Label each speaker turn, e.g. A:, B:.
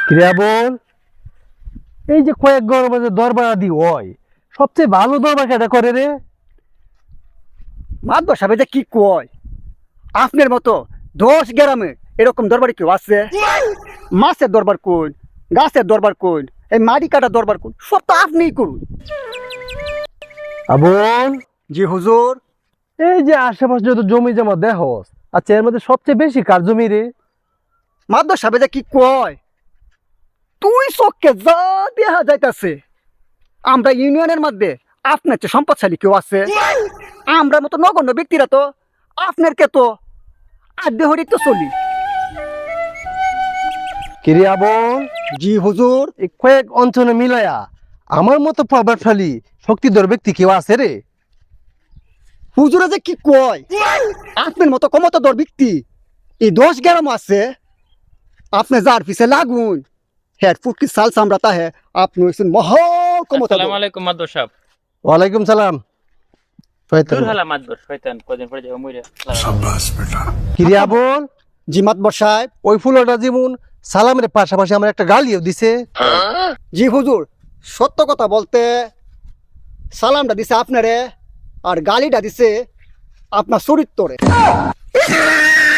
A: ক্রিয়া বল, এই যে কয়েক গরমে যে দরবার আদি হয়, সবচেয়ে ভালো দরবার কেটা করে রে?
B: মাতবর সাহেব যে কি কয়, আপনার মতো 10 গ্রামে এরকম দরবার কেউ আছে? মাছের দরবার কোন, গাছের দরবার কোন, এই মাটি কাটার দরবার কোন, সব তো আপনিই করুন।
A: আবল,
B: জি হুজুর।
A: এই যে আশেপাশে যত জমি জমা দেহস, আচ্ছা এর মধ্যে সবচেয়ে বেশি কার জমি রে?
B: মাতবর সাহেব যে কি কয়, তুই চোখকে যা দেখা যাইতাছে আমরা ইউনিয়নের মধ্যে আপনার চেয়ে সম্পদশালী কেউ আছে? আমরা মতো নগণ্য ব্যক্তিরা তো আপনার কে তো আদ্য হরিক তো চলি।
A: ক্রিয়া বল,
B: জি হুজুর।
A: এই কয়েক অঞ্চলে মিলায়া আমার মতো প্রভাবশালী শক্তিধর ব্যক্তি কেউ আছে রে?
B: হুজুরে যে কি কয়, আপনার মতো ক্ষমতাধর ব্যক্তি এই 10 গ্রাম আছে। আপনি যার পিছে লাগুন, হ্যাঁ ফুটকি সাল সামরাতা হ্যাঁ, আপনি হচ্ছেন মহা ক্ষমতা।
C: আসসালামু আলাইকুম মাদবর সাহেব।
A: ওয়ালাইকুম সালাম।
C: দূর হালা মাদবর শয়তান, কদিন পরে যাবো মইরা।
A: ক্রিয়া বল,
B: জি মাতবর সাহেব।
A: ওই ফুলটা যেমন সালামের পাশাপাশি আমার একটা গালিও দিছে।
B: জি হুজুর, সত্য কথা বলতে সালামটা দিছে আপনারে আর গালিটা দিছে আপনার চরিত্রে।